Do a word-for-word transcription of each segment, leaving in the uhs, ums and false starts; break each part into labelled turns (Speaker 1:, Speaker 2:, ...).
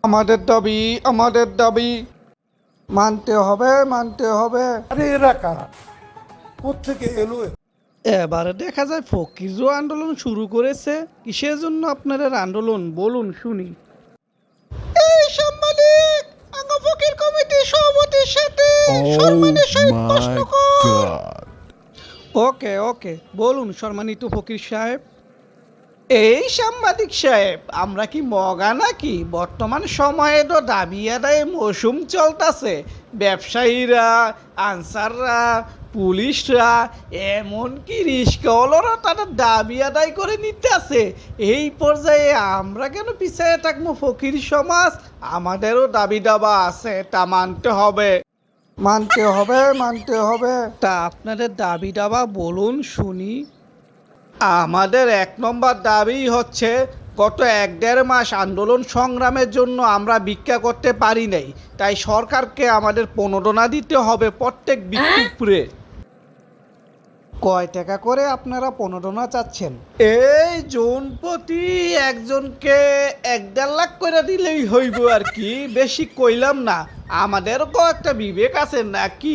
Speaker 1: আমাদের দাবি আমাদের দাবি মানতে হবে মানতে হবে।
Speaker 2: আরে এরা কারা, কোত্থেকে এলো?
Speaker 1: এবারে দেখা যায় ফকিরও আন্দোলন শুরু করেছে। কিসের জন্য আপনাদের আন্দোলন বলুন শুনি। এই সাংবাদিক, আঙ্গ ফকির কমিটি সভাপতির সাথে সম্মানের সহিত প্রশ্ন কর। ওকে ওকে বলুন সম্মানিত ফকির সাহেব। এই সাংবাদিক সাহেব, আমরা কি মগা নাকি? বর্তমান সময়ে তো দাবি আদায়ে মৌসুম চলতেছে। ব্যবসায়ীরা, আনসাররা, পুলিশরা, এমনকি রিস্কাওয়ালারা তাদের দাবি আদায় করে নিতে আছে। এই পর্যায়ে আমরা কেন পিছিয়ে থাকবো? ফকির সমাজ, আমাদেরও দাবি দাবা আছে, তা মানতে হবে মানতে হবে মানতে হবে। তা আপনাদের দাবি দাবা বলুন শুনি। আমাদের এক নম্বর দাবি হচ্ছে, গত এক দেড় মাস আন্দোলন সংগ্রামের জন্য আমরা ভিক্ষা করতে পারি নাই, তাই সরকারকে আমাদের প্রণোদনা দিতে হবে প্রত্যেক ভিক্ষুকরে। কয় টাকা করে আপনারা প্রণোদনা চাচ্ছেন? এই জন প্রতি একজনকে এক দেড় লাখ করে দিলেই হইব আর কি, বেশি কইলাম না। আমাদেরও তো একটা বিবেক আছে নাকি?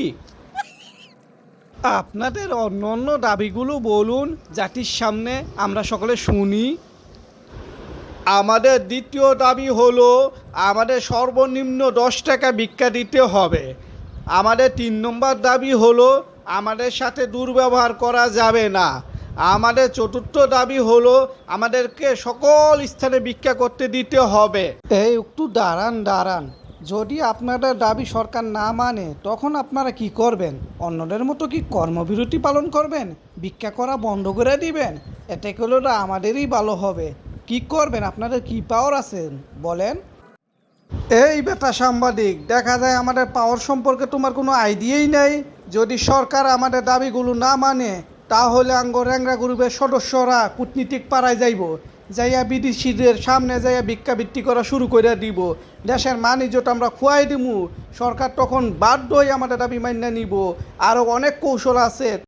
Speaker 1: আপনাদের অন্য অন্য দাবিগুলো বলুন জাতির সামনে, আমরা সকলে শুনি। আমাদের দ্বিতীয় দাবি হলো, আমাদের সর্বনিম্ন দশ টাকা ভিক্ষা দিতে হবে। আমাদের তিন নম্বর দাবি হলো, আমাদের সাথে দুর্ব্যবহার করা যাবে না। আমাদের চতুর্থ দাবি হলো, আমাদেরকে সকল স্থানে ভিক্ষা করতে দিতে হবে। এই একটু দাঁড়ান দাঁড়ান, যদি আপনাদের দাবি সরকার না মানে তখন আপনারা কি করবেন? অন্যদের মতো কি কর্মবিরতি পালন করবেন? ভিক্ষা করা বন্ধ করে দিবেন? এতে করলে তো আমাদেরই ভালো হবে। কি করবেন? আপনাদের কি পাওয়ার আছেন বলেন? এই বেটা সাংবাদিক, দেখা যায় আমাদের পাওয়ার সম্পর্কে তোমার কোনো আইডিয়াই নেই। যদি সরকার আমাদের দাবিগুলো না মানে, তাহলে আঙ্গ র্যাংরা গ্রুপের সদস্যরা কূটনীতিক পাড়ায় যাইব, যাইয়া বিদেশিদের সামনে যাইয়া ভিক্ষাবৃত্তি করা শুরু করে দিব। দেশের মানিজ্যটা আমরা খুয়াই দিমু। সরকার তখন বাধ্য হয়ে আমাদের দাবি মান্য নিব। আরও অনেক কৌশল আছে।